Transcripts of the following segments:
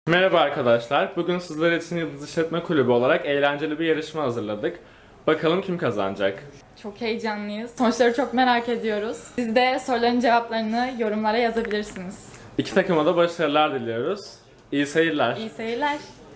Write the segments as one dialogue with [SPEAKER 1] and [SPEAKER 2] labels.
[SPEAKER 1] Merhaba arkadaşlar. Bugün sizler için Yıldız İşletme Kulübü olarak eğlenceli bir yarışma hazırladık. Bakalım kim kazanacak?
[SPEAKER 2] Çok heyecanlıyız. Sonuçları çok merak ediyoruz. Siz de soruların cevaplarını yorumlara yazabilirsiniz.
[SPEAKER 1] İki takıma da başarılar diliyoruz. İyi seyirler.
[SPEAKER 2] İyi seyirler.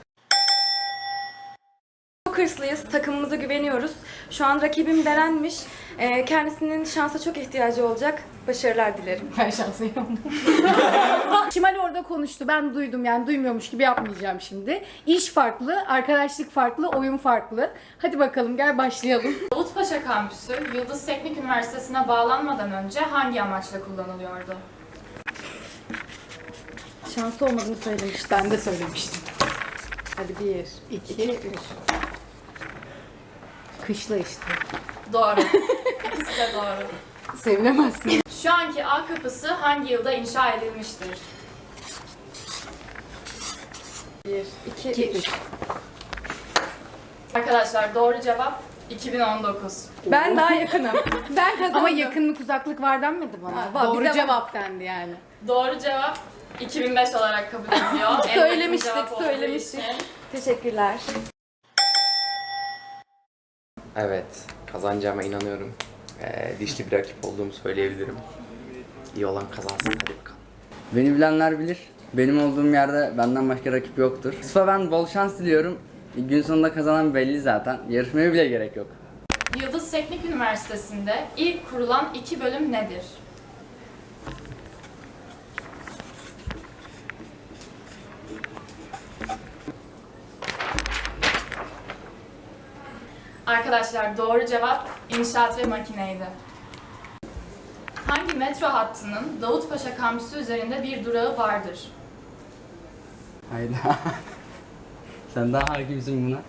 [SPEAKER 3] Çok hırslıyız, takımımıza güveniyoruz. Şu an rakibim Beren'miş. Kendisinin şansa çok ihtiyacı olacak. Başarılar dilerim.
[SPEAKER 2] Ben şanslıyım.
[SPEAKER 4] Şimal orada konuştu. Ben duydum, yani duymuyormuş gibi yapmayacağım şimdi. İş farklı, arkadaşlık farklı, oyun farklı. Hadi bakalım, gel başlayalım.
[SPEAKER 2] Davutpaşa Kampüsü, Yıldız Teknik Üniversitesi'ne bağlanmadan önce hangi amaçla kullanılıyordu?
[SPEAKER 4] Şansı olmadığını söylemiştim. Ben de söylemiştim. Hadi 1, 2, 3. Kışla işte.
[SPEAKER 2] Doğru. İkisi de doğru.
[SPEAKER 4] Sevinemezsin.
[SPEAKER 2] Şu anki A kapısı hangi yılda inşa edilmiştir?
[SPEAKER 3] 1, 2, 3.
[SPEAKER 2] Arkadaşlar doğru cevap 2019.
[SPEAKER 3] Ben daha yakınım.
[SPEAKER 4] Ben kazandım. Ama yakınlık uzaklık var denmedi bana.
[SPEAKER 3] var,
[SPEAKER 4] Doğru
[SPEAKER 3] bize
[SPEAKER 4] cevap dendi yani.
[SPEAKER 2] Doğru cevap 2005 olarak kabul ediliyor. En yakın
[SPEAKER 3] Söylemiştik,
[SPEAKER 2] cevap olduğu
[SPEAKER 3] söylemiştik.
[SPEAKER 2] için.
[SPEAKER 3] Teşekkürler.
[SPEAKER 5] Evet, kazanacağıma inanıyorum. Dişli bir rakip olduğumu söyleyebilirim. İyi olan kazansın, hadi bakalım.
[SPEAKER 6] Beni bilenler bilir. Benim olduğum yerde benden başka rakip yoktur. Yusuf'a ben bol şans diliyorum. Gün sonunda kazanan belli zaten. Yarışmaya bile gerek yok.
[SPEAKER 2] Yıldız Teknik Üniversitesi'nde ilk kurulan 2 bölüm nedir? Arkadaşlar doğru cevap inşaat ve makineydi. Hangi metro hattının Davutpaşa kampüsü üzerinde bir durağı vardır?
[SPEAKER 6] Hayda. Sen daha hakimsin buna.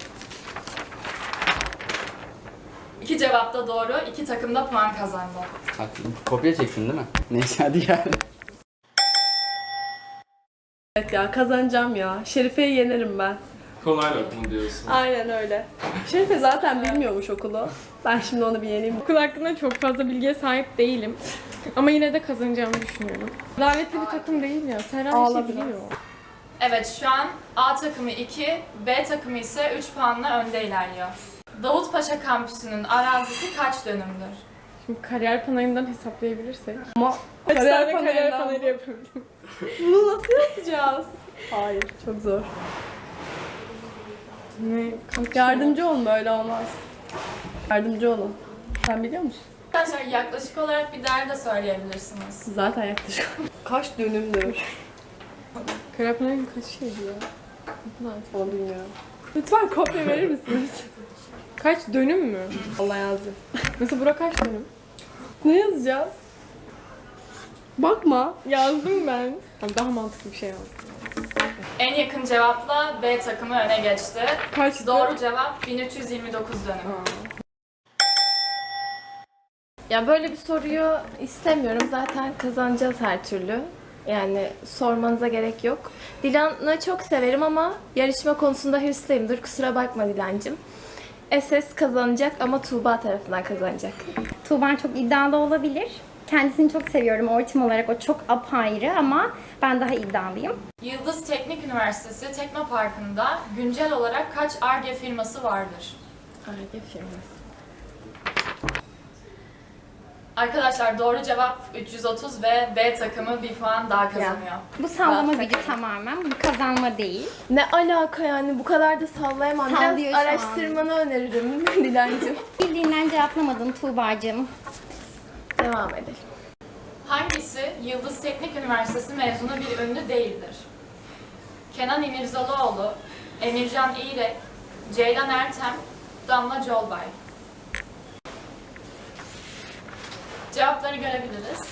[SPEAKER 2] 2 cevap da doğru, 2 takım da puan kazandı.
[SPEAKER 6] Haklısın. Kopya çektin değil mi? Neyse hadi gel.
[SPEAKER 7] Evet ya kazanacağım ya. Şerife'yi yenerim ben.
[SPEAKER 1] Kolay lokma diyorsun.
[SPEAKER 7] Aynen öyle. Şerife zaten bilmiyormuş okulu. Ben şimdi onu bir yeneyim.
[SPEAKER 8] Okul hakkında çok fazla bilgiye sahip değilim. Ama yine de kazanacağımı düşünüyorum. Davetli bir takım değil ya. Serhan bir şey
[SPEAKER 7] Ağla
[SPEAKER 8] biliyor.
[SPEAKER 2] Evet, şu an A takımı 2, B takımı ise 3 puanla önde ilerliyor. Davutpaşa kampüsünün arazisi kaç dönümdür?
[SPEAKER 8] Şimdi kariyer panayından hesaplayabilirsek.
[SPEAKER 7] Kaç
[SPEAKER 8] Kariyer
[SPEAKER 7] panelinden
[SPEAKER 8] panayı
[SPEAKER 7] bu?
[SPEAKER 8] yapabildim.
[SPEAKER 7] Bunu nasıl yapacağız? Hayır, çok zor.
[SPEAKER 8] Ne? Kaç
[SPEAKER 7] Yardımcı olun, böyle olmaz. Yardımcı olun. Sen biliyor musun?
[SPEAKER 2] Arkadaşlar yaklaşık olarak bir değer de söyleyebilirsiniz.
[SPEAKER 7] Zaten yaklaşık. Kaç dönümdür?
[SPEAKER 8] Kariyer panayının kaç şeydi ya? Ne kadar?
[SPEAKER 7] Onu bilmiyorum. Lütfen kopya verir misiniz?
[SPEAKER 8] Kaç dönüm mü?
[SPEAKER 7] Allah yazdı.
[SPEAKER 8] Mesela bura kaç dönüm?
[SPEAKER 7] Ne yazacağız? Bakma.
[SPEAKER 8] Yazdım ben. Tamam, daha mantıklı bir şey yazdım.
[SPEAKER 2] En yakın cevapla B takımı öne geçti.
[SPEAKER 8] Kaçtı?
[SPEAKER 2] Doğru cevap 1329 dönüm.
[SPEAKER 9] Ya böyle bir soruyu istemiyorum. Zaten kazanacağız her türlü. Yani sormanıza gerek yok. Dilan'ı çok severim ama yarışma konusunda hırslıyımdır. Kusura bakma Dilancığım. SS kazanacak ama Tuğba tarafından kazanacak.
[SPEAKER 10] Tuğba çok iddialı olabilir. Kendisini çok seviyorum. Ortam olarak o çok apayrı ama ben daha iddialıyım.
[SPEAKER 2] Yıldız Teknik Üniversitesi Teknoparkı'nda güncel olarak kaç Ar-Ge firması vardır?
[SPEAKER 9] Ar-Ge firması.
[SPEAKER 2] Arkadaşlar doğru cevap 330 ve B takımı bir puan daha kazanıyor.
[SPEAKER 10] Bu sallama gücü tamamen. Bu kazanma değil.
[SPEAKER 9] Ne alaka yani, bu kadar da sallayamam.
[SPEAKER 10] Sallıyor
[SPEAKER 9] Biraz
[SPEAKER 10] şu an.
[SPEAKER 9] araştırmanı öneririm Dilancığım.
[SPEAKER 10] Bildiğinden cevaplamadın Tuğba'cığım.
[SPEAKER 9] Devam edelim.
[SPEAKER 2] Hangisi Yıldız Teknik Üniversitesi mezunu bir ünlü değildir? Kenan İmirzalıoğlu, Emircan İğrek, Ceylan Ertem, Damla Colbay. Cevapları görebiliriz.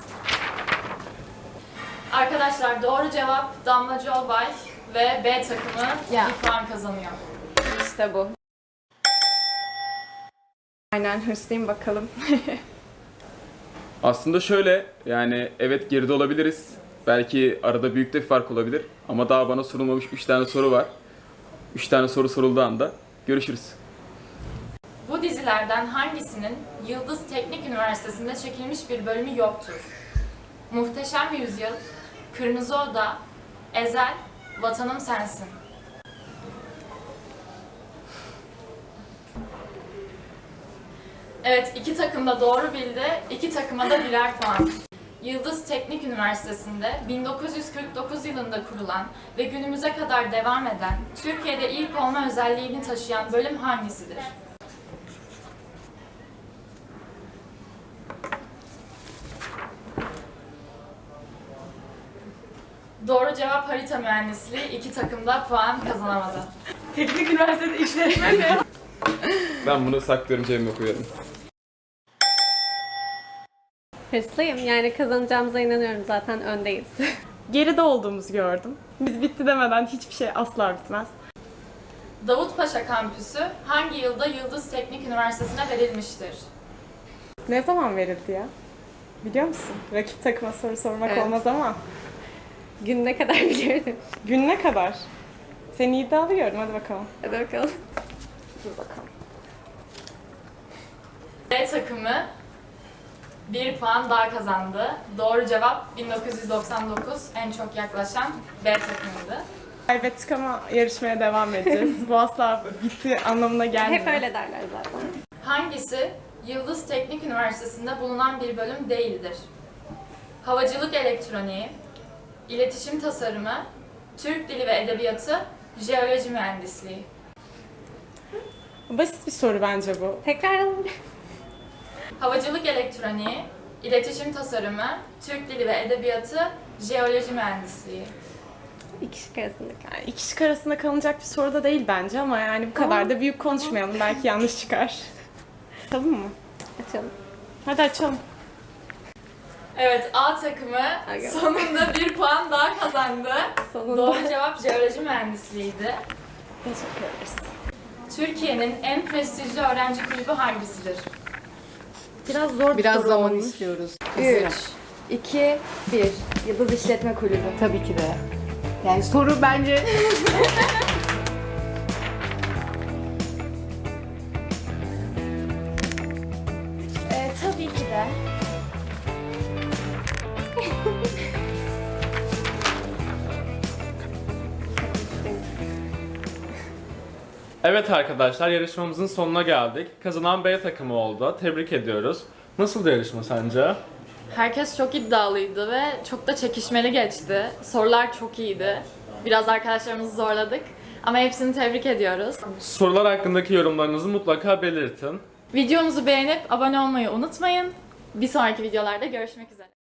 [SPEAKER 2] Arkadaşlar doğru cevap Damla Colbay ve B takımı bir puan kazanıyor.
[SPEAKER 9] İşte bu. Aynen, hırslıyım bakalım.
[SPEAKER 1] Aslında şöyle, yani evet geride olabiliriz. Belki arada büyük de bir fark olabilir. Ama daha bana sorulmamış 3 tane soru var. 3 tane soru sorulduğu anda görüşürüz.
[SPEAKER 2] Bu dizilerden hangisinin Yıldız Teknik Üniversitesi'nde çekilmiş bir bölümü yoktur? Muhteşem Yüzyıl, Kırmızı Oda, Ezel, Vatanım sensin. Evet, iki takım da doğru bildi. İki takıma da birer puan. Yıldız Teknik Üniversitesi'nde 1949 yılında kurulan ve günümüze kadar devam eden, Türkiye'de ilk olma özelliğini taşıyan bölüm hangisidir? Doğru cevap harita mühendisliği. İki takım da puan kazanamadı.
[SPEAKER 8] Teknik üniversitede işletme mi?
[SPEAKER 1] Ben bunu saklıyorum, cebime koyuyorum.
[SPEAKER 11] Hırslıyım. Yani kazanacağımıza inanıyorum. Zaten öndeyiz.
[SPEAKER 8] Geride olduğumuzu gördüm. Biz bitti demeden hiçbir şey asla bitmez.
[SPEAKER 2] Davutpaşa kampüsü hangi yılda Yıldız Teknik Üniversitesi'ne verilmiştir?
[SPEAKER 8] Ne zaman verildi ya? Biliyor musun? Rakip takıma soru sormak
[SPEAKER 11] Evet.
[SPEAKER 8] olmaz ama.
[SPEAKER 11] Gün ne kadar biliyorum.
[SPEAKER 8] Gün ne kadar? Seni iddialı gördüm. Hadi bakalım.
[SPEAKER 11] Hadi bakalım.
[SPEAKER 8] Dur bakalım.
[SPEAKER 2] B takımı 1 puan daha kazandı. Doğru cevap 1999, en çok yaklaşan B takımıydı.
[SPEAKER 8] Kaybettik ama yarışmaya devam edeceğiz. Bu asla bitti anlamına gelmiyor.
[SPEAKER 11] Hep öyle derler zaten.
[SPEAKER 2] Hangisi Yıldız Teknik Üniversitesi'nde bulunan bir bölüm değildir? Havacılık elektroniği, iletişim tasarımı, Türk dili ve edebiyatı, jeoloji mühendisliği.
[SPEAKER 8] Basit bir soru bence bu.
[SPEAKER 11] Tekrar alalım.
[SPEAKER 2] Havacılık elektroniği, iletişim tasarımı, Türk dili ve edebiyatı, jeoloji mühendisliği.
[SPEAKER 11] İki şık arasında kal.
[SPEAKER 8] Yani iki şık arasında kalınacak bir soru da değil bence ama yani bu kadar da büyük konuşmayalım. Belki yanlış çıkar. Açalım mı?
[SPEAKER 11] Açalım.
[SPEAKER 8] Hadi açalım.
[SPEAKER 2] Evet, A takımı
[SPEAKER 11] Aga.
[SPEAKER 2] sonunda 1 puan daha kazandı.
[SPEAKER 11] Sonunda.
[SPEAKER 2] Doğru cevap jeoloji mühendisliğiydi.
[SPEAKER 8] Teşekkür ederiz.
[SPEAKER 2] Türkiye'nin en prestijli öğrenci kulübü hangisidir?
[SPEAKER 3] Biraz zor bir
[SPEAKER 4] Biraz
[SPEAKER 3] soru
[SPEAKER 4] zaman
[SPEAKER 3] olmuş.
[SPEAKER 4] istiyoruz.
[SPEAKER 3] 3, 2, 1. Yıldız İşletme Kulübü.
[SPEAKER 4] Tabii ki de. Yani soru bence
[SPEAKER 9] Tabii ki de.
[SPEAKER 12] Evet arkadaşlar, yarışmamızın sonuna geldik. Kazanan B takımı oldu. Tebrik ediyoruz. Nasıldı yarışma sence?
[SPEAKER 2] Herkes çok iddialıydı ve çok da çekişmeli geçti. Sorular çok iyiydi. Biraz arkadaşlarımızı zorladık ama hepsini tebrik ediyoruz.
[SPEAKER 12] Sorular hakkındaki yorumlarınızı mutlaka belirtin.
[SPEAKER 2] Videomuzu beğenip abone olmayı unutmayın. Bir sonraki videolarda görüşmek üzere.